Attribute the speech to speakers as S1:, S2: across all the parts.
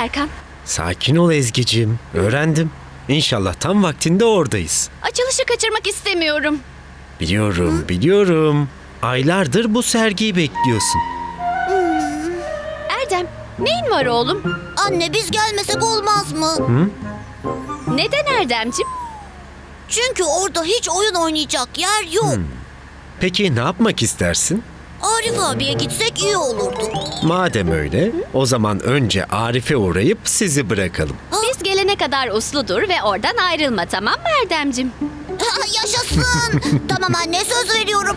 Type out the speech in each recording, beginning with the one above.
S1: Serkan?
S2: Sakin ol Ezgi'cim. Öğrendim. İnşallah tam vaktinde oradayız.
S1: Açılışı kaçırmak istemiyorum.
S2: Biliyorum. Aylardır bu sergiyi bekliyorsun.
S1: Erdem, neyin var oğlum?
S3: Anne biz gelmesek olmaz mı?
S1: Neden Erdemciğim?
S3: Çünkü orada hiç oyun oynayacak yer yok.
S2: Peki ne yapmak istersin?
S3: Arif abiye gitsek iyi olurdu.
S2: Madem öyle, o zaman önce Arif'e uğrayıp sizi bırakalım.
S1: Biz gelene kadar uslu dur ve oradan ayrılma, tamam mı Erdemciğim?
S3: Yaşasın. Tamam anne, söz veriyorum.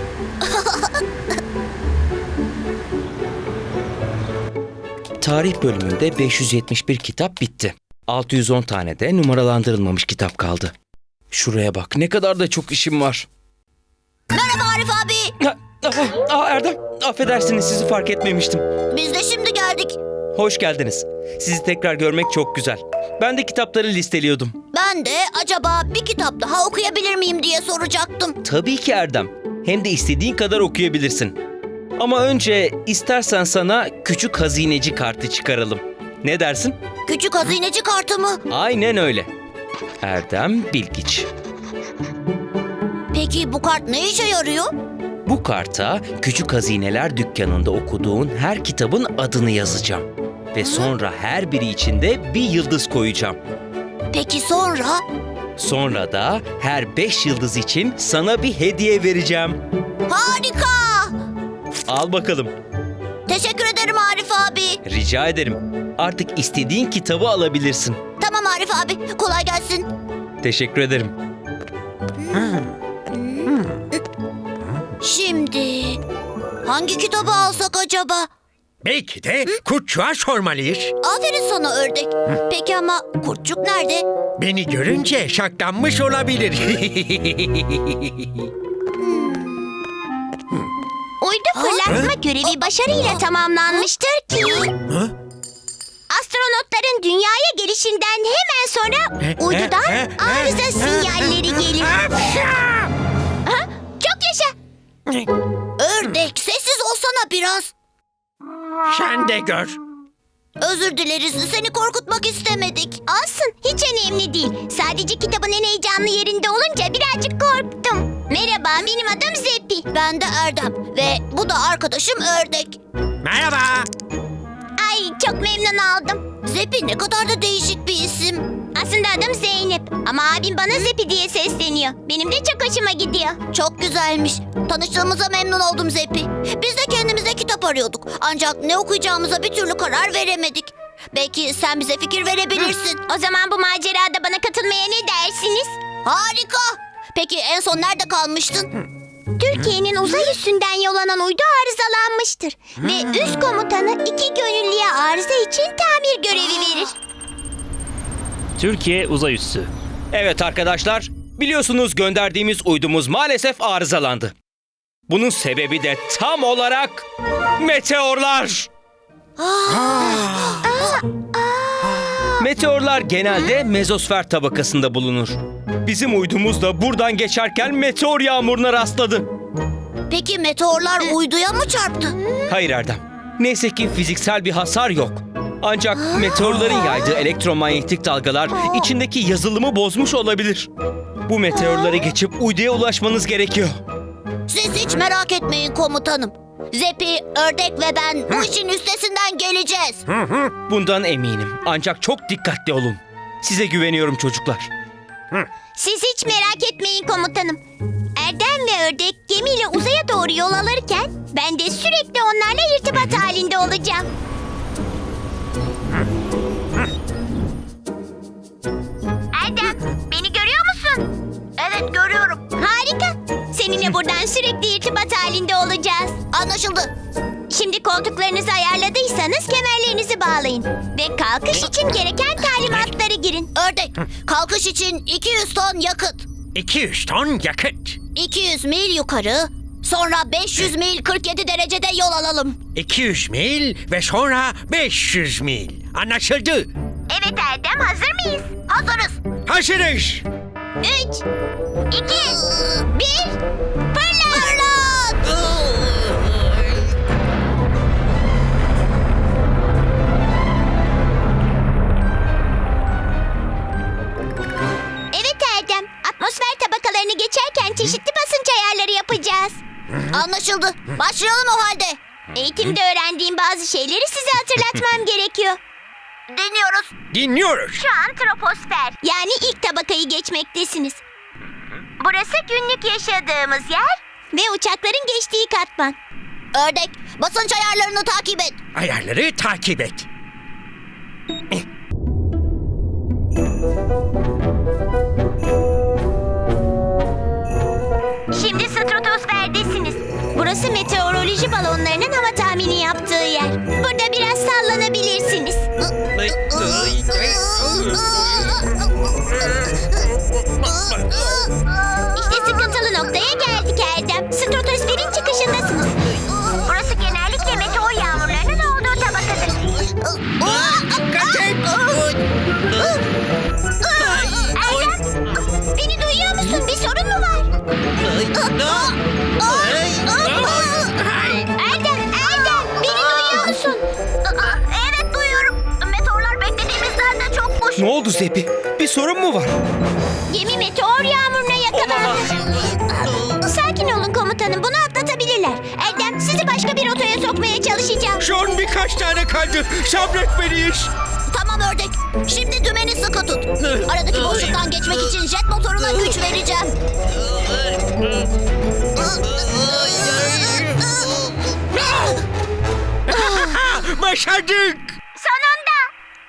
S4: Tarih bölümünde 571 kitap bitti. 610 tane de numaralandırılmamış kitap kaldı. Şuraya bak, ne kadar da çok işim var.
S3: Merhaba Arif abi.
S4: Erdem, affedersiniz, sizi fark etmemiştim.
S3: Biz de şimdi geldik.
S4: Hoş geldiniz. Sizi tekrar görmek çok güzel. Ben de kitapları listeliyordum.
S3: Ben de acaba bir kitap daha okuyabilir miyim diye soracaktım.
S4: Tabii ki Erdem. Hem de istediğin kadar okuyabilirsin. Ama önce istersen sana küçük hazineci kartı çıkaralım. Ne dersin?
S3: Küçük hazineci kartı mı?
S4: Aynen öyle. Erdem Bilgiç.
S3: Peki bu kart ne işe yarıyor?
S4: Bu karta Küçük Hazineler Dükkanı'nda okuduğun her kitabın adını yazacağım. Ve sonra her biri içinde bir yıldız koyacağım.
S3: Peki sonra?
S4: Sonra da her 5 yıldız için sana bir hediye vereceğim.
S3: Harika!
S4: Al bakalım.
S3: Teşekkür ederim Arif abi.
S4: Rica ederim. Artık istediğin kitabı alabilirsin.
S3: Tamam Arif abi, kolay gelsin.
S4: Teşekkür ederim.
S3: Şimdi hangi kitabı alsak acaba?
S2: Belki de kurtçuğa sormalıyız.
S3: Aferin sana ördek. Peki ama kurtçuk nerede?
S2: Beni görünce şaklanmış olabilir.
S5: Uydu fırlatma görevi başarıyla tamamlanmıştır ki astronotların dünyaya gelişinden hemen sonra uydudan arıza sinyalleri gelir. Ha? Çok yaşa.
S3: Ördek, sessiz olsana biraz.
S2: Sen de gör.
S3: Özür dileriz, seni korkutmak istemedik.
S5: Olsun, hiç önemli değil. Sadece kitabın en heyecanlı yerinde olunca birazcık korktum. Merhaba, benim adım Zeppi.
S3: Ben de Erdem ve bu da arkadaşım Ördek.
S2: Merhaba.
S5: Ay, çok memnun oldum.
S3: Zeppi ne kadar da değişik bir isim.
S5: Aslında adım Zeynep ama abim bana Zeppi diye sesleniyor. Benim de çok hoşuma gidiyor.
S3: Çok güzelmiş. Tanıştığımıza memnun oldum Zeppi. Biz de kendimize kitap arıyorduk. Ancak ne okuyacağımıza bir türlü karar veremedik. Belki sen bize fikir verebilirsin.
S5: O zaman bu macerada bana katılmaya ne dersiniz?
S3: Harika. Peki en son nerede kalmıştın?
S5: Türkiye'nin uzay üstünden yollanan uydu arızalanmıştır. Ve üst komutanı 2 gönüllüye arıza için tamir görevi verir.
S6: Türkiye uzay üssü.
S4: Evet arkadaşlar, biliyorsunuz gönderdiğimiz uydumuz maalesef arızalandı. Bunun sebebi de tam olarak meteorlar. Meteorlar genelde mezosfer tabakasında bulunur. Bizim uydumuz da buradan geçerken meteor yağmuruna rastladı.
S3: Peki meteorlar uyduya mı çarptı?
S4: Hayır Erdem, neyse ki fiziksel bir hasar yok. Ancak meteorların yaydığı elektromanyetik dalgalar içindeki yazılımı bozmuş olabilir. Bu meteorları geçip uyduya ulaşmanız gerekiyor.
S3: Siz hiç merak etmeyin komutanım. Zeppi, Ördek ve ben bu işin üstesinden geleceğiz.
S4: Bundan eminim. Ancak çok dikkatli olun. Size güveniyorum çocuklar.
S5: Siz hiç merak etmeyin komutanım. Erdem ve Ördek gemiyle uzaya doğru yol alırken ben de sürekli onlarla irtibat halinde olacağım. Erdem, beni görüyor musun?
S3: Evet, görüyorum.
S5: Harika. Seninle buradan sürekli irtibat halinde olacağız.
S3: Anlaşıldı.
S5: Şimdi koltuklarınızı ayarladıysanız kemerlerinizi bağlayın. Ve kalkış için gereken talimatları girin.
S3: Ördek, kalkış için 200 ton yakıt.
S2: 200 ton yakıt.
S3: 200 mil yukarı, sonra 500 mil 47 derecede yol alalım.
S2: 200 mil ve sonra 500 mil. Anlaşıldı.
S5: Evet Erdem, hazır mıyız?
S3: Hazırız.
S2: Hazırız.
S5: 3, 2, 1, fırla!
S3: Fırlat!
S5: geçerken çeşitli basınç ayarları yapacağız.
S3: Anlaşıldı. Başlayalım o halde.
S5: Eğitimde öğrendiğim bazı şeyleri size hatırlatmam gerekiyor.
S3: Dinliyoruz.
S2: Dinliyoruz.
S5: Şu an troposfer, yani ilk tabakayı geçmektesiniz. Burası günlük yaşadığımız yer ve uçakların geçtiği katman.
S3: Ördek, basınç ayarlarını takip et.
S2: Ayarları takip et.
S5: Şimdi stratosferdesiniz. Burası meteoroloji balonlarının hava tahmini yaptığı yer. Burada biraz sallanabilirsiniz. İşte sıkıntılı noktaya geldik Erdem. Stratosferin çıkışındasınız. Burası genellikle meteor yağmurlarının olduğu tabakadır. Erdem, beni duyuyor musun? Bir sorun mu var? Erdem, beni duyuyor musun?
S3: Evet duyuyorum. Meteorlar beklediğimizden de çokmuş.
S4: Ne oldu Zepi? Bir sorun mu var?
S5: Gemi meteor yağmuruna yakalandı. Sakin olun komutanım, bunu atlatabilirler. Erdem, sizi başka bir rotaya sokmaya çalışacağım.
S2: Son birkaç tane kaldı. Sabretmeliyiz.
S3: Tamam ördek. Şimdi dümeni sıkı tut. Aradaki boşluktan geçmek için jet motoruna güç vereceğim.
S2: Başardık.
S5: Sonunda.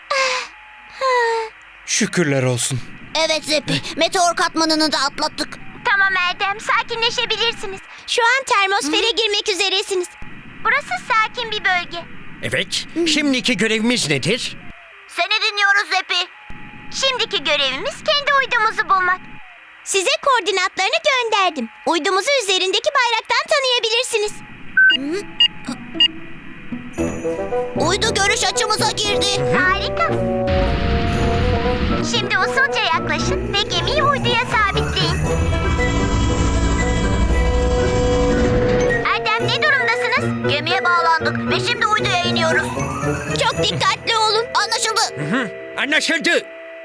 S4: Şükürler olsun.
S3: Evet Zepi, meteor katmanını da atlattık.
S5: Tamam Erdem, sakinleşebilirsiniz. Şu an termosfere girmek üzeresiniz. Burası sakin bir bölge.
S2: Evet. Şimdiki görevimiz nedir?
S3: Seni dinliyoruz Zepi.
S5: Şimdiki görevimiz kendi uydumuzu bulmak. Size koordinatlarını gönderdim. Uydumuzu üzerindeki bayraktan tanıyabilirsiniz.
S3: Uydu görüş açımıza girdi.
S5: Harika. Şimdi usulca yaklaşın ve gemiyi uyduya sabitleyin. Erdem, ne durumdasınız?
S3: Gemiye bağlandık ve şimdi uyduya iniyoruz.
S5: Çok dikkatli olun.
S3: Anlaşıldı.
S2: Anlaşıldı.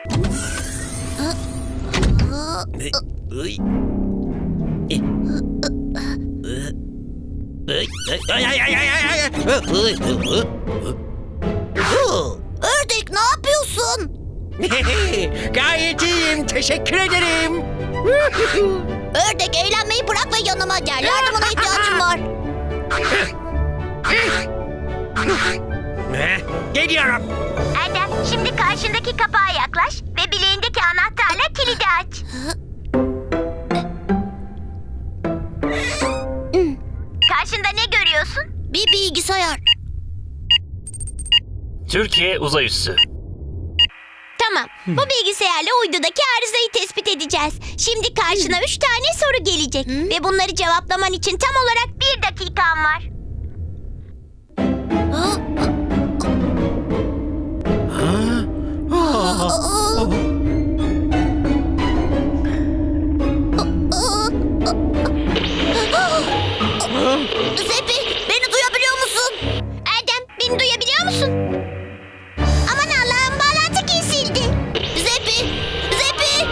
S3: Ördek ne yapıyorsun?
S2: Gayet iyiyim. Teşekkür ederim.
S3: Ördek eğlenmeyi bırak ve yanıma gel. Yardımına ihtiyacım var.
S2: Geliyorum.
S5: Erdem, şimdi karşındaki kapağa yaklaş ve bileğindeki anahtarla kilidi aç. Karşında ne görüyorsun?
S3: Bir bilgisayar.
S6: Türkiye Uzay Üssü.
S5: Tamam, bu bilgisayarla uydudaki arızayı tespit edeceğiz. Şimdi karşına 3 tane soru gelecek. Ve bunları cevaplaman için tam olarak 1 dakikan var.
S3: Zepi beni duyabiliyor musun?
S5: Erdem, beni duyabiliyor musun? Aman Allah'ım, bağlantı kesildi.
S3: Zepi! Zepi!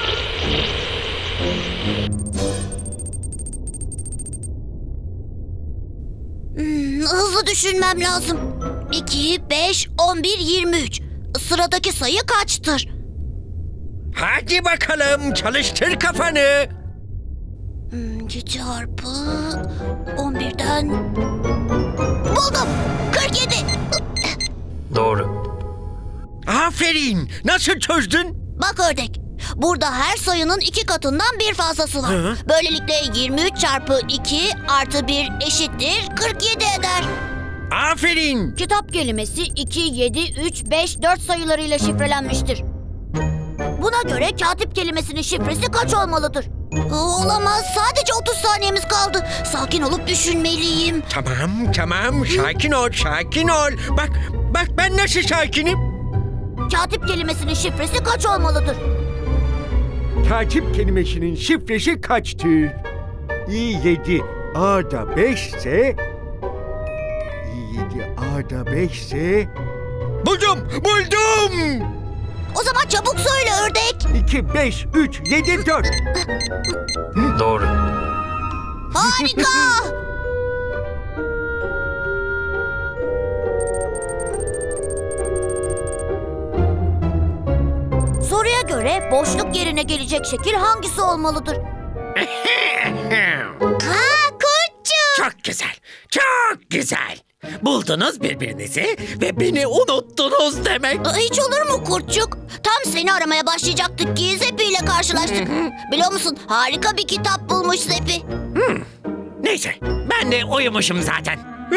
S3: Hızlı düşünmem lazım. 2, 5, 11, 23. Sıradaki sayı kaçtır?
S2: Hadi bakalım. Çalıştır kafanı.
S3: 2 çarpı 11'den... Buldum! 47!
S6: Doğru.
S2: Aferin. Nasıl çözdün?
S3: Bak ördek. Burada her sayının 2 katından bir fazlası var.
S2: Hı.
S3: Böylelikle 23 çarpı 2 artı 1 eşittir 47 eder.
S2: Aferin.
S3: Kitap kelimesi 2, 7, 3, 5, 4 sayılarıyla şifrelenmiştir. Buna göre katip kelimesinin şifresi kaç olmalıdır? Olamaz. Sadece 30 saniyemiz kaldı. Sakin olup düşünmeliyim.
S2: Tamam. Sakin ol. Bak ben nasıl sakinim?
S3: Katip kelimesinin şifresi kaç olmalıdır?
S7: Katip kelimesinin şifresi kaçtır? İ7 A'da 5 ise İ7 A'da 5 ise
S2: Buldum.
S3: O O zaman çabuk söyle ördek.
S7: 2, 5, 3, 7, 4.
S6: Doğru.
S3: Harika. Soruya göre boşluk yerine gelecek şekil hangisi olmalıdır?
S5: Kurtçuk.
S2: Çok güzel, çok güzel. Buldunuz birbirinizi ve beni unuttunuz demek.
S3: Hiç olur mu kurtçuk? Tam seni aramaya başlayacaktık ki Zepi ile karşılaştık. Biliyor musun, harika bir kitap bulmuş Zepi.
S2: Neyse, ben de uyumuşum zaten.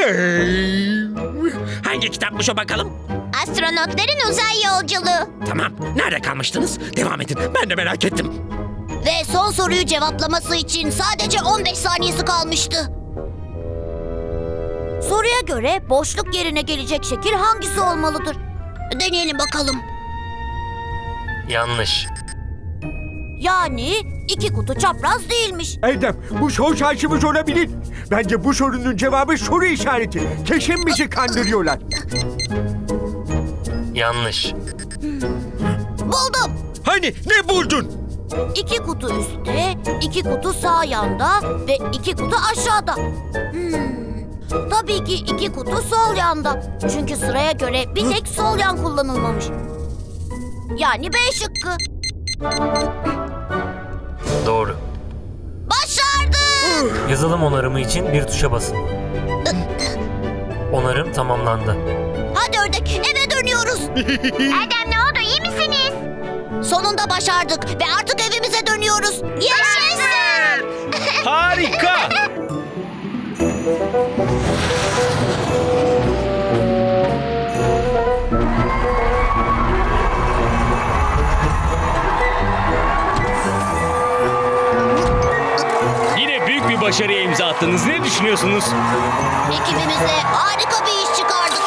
S2: Hangi kitapmış o bakalım?
S5: Astronotların uzay yolculuğu.
S2: Tamam, nerede kalmıştınız? Devam edin, ben de merak ettim.
S3: Ve son soruyu cevaplaması için sadece 15 saniyesi kalmıştı. Soruya göre boşluk yerine gelecek şekil hangisi olmalıdır? Deneyelim bakalım.
S6: Yanlış.
S3: Yani 2 kutu çapraz değilmiş.
S7: Erdem, bu son şansımız olabilir. Bence bu sorunun cevabı soru işareti. Kesin bizi kandırıyorlar.
S6: Yanlış.
S3: Buldum.
S2: Hani ne buldun?
S3: 2 kutu üstte, 2 kutu sağ yanda ve 2 kutu aşağıda. Tabii ki 2 kutu sol yanda. Çünkü sıraya göre bir tek sol yan kullanılmamış. Yani B şıkkı.
S6: Doğru.
S3: Başardık!
S6: Yazılım onarımı için bir tuşa basın. Onarım tamamlandı.
S3: Hadi ördek, eve dönüyoruz.
S5: Erdem ne oldu, iyi misiniz?
S3: Sonunda başardık ve artık evimize dönüyoruz.
S5: Yaşasın.
S4: Harika. Yine büyük bir başarıya imza attınız. Ne düşünüyorsunuz?
S3: Ekibimizle harika bir iş çıkardık.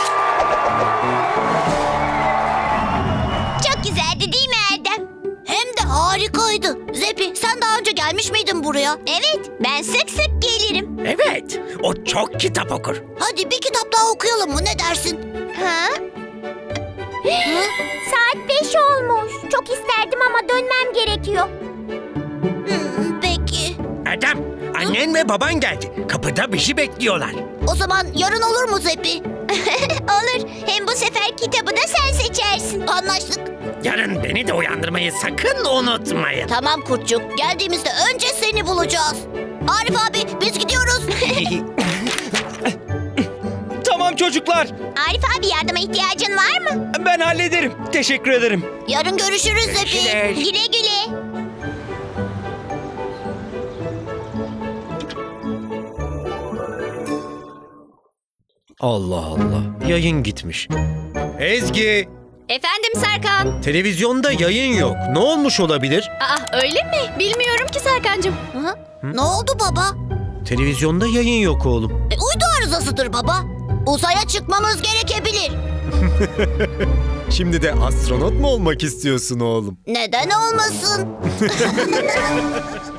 S5: Çok güzeldi değil mi Erdem?
S3: Hem de harikaydı. Zepi, sen daha önce gelmiş miydin buraya?
S5: Evet, ben sık sık gelirim.
S2: Evet, o çok kitap okur.
S3: Hadi bir kitap daha okuyalım mı, ne dersin?
S5: Ha? Saat 5 olmuş. Çok isterdim ama dönmem gerekiyor.
S3: Peki.
S2: Erdem, annen ve baban geldi. Kapıda bir şey bekliyorlar.
S3: O zaman yarın olur mu Zepi?
S5: Olur. Hem bu sefer kitabı da sen seçersin.
S3: Anlaştık.
S2: Yarın beni de uyandırmayı sakın unutmayın.
S3: Tamam kurtçuk, geldiğimizde önce seni bulacağız. Arif abi, biz gidiyoruz.
S4: Tamam çocuklar.
S5: Arif abi, yardıma ihtiyacın var mı?
S4: Ben hallederim. Teşekkür ederim.
S3: Yarın görüşürüz Zepi.
S5: Güle güle.
S2: Allah Allah, yayın gitmiş. Ezgi,
S1: Efendim Serkan.
S2: televizyonda yayın yok. Ne olmuş olabilir?
S1: Aa öyle mi? Bilmiyorum ki Serkancığım.
S3: Ne oldu baba?
S2: Televizyonda yayın yok oğlum.
S3: Uydu arızasıdır baba. Uzaya çıkmamız gerekebilir.
S2: Şimdi de astronot mu olmak istiyorsun oğlum?
S3: Neden olmasın?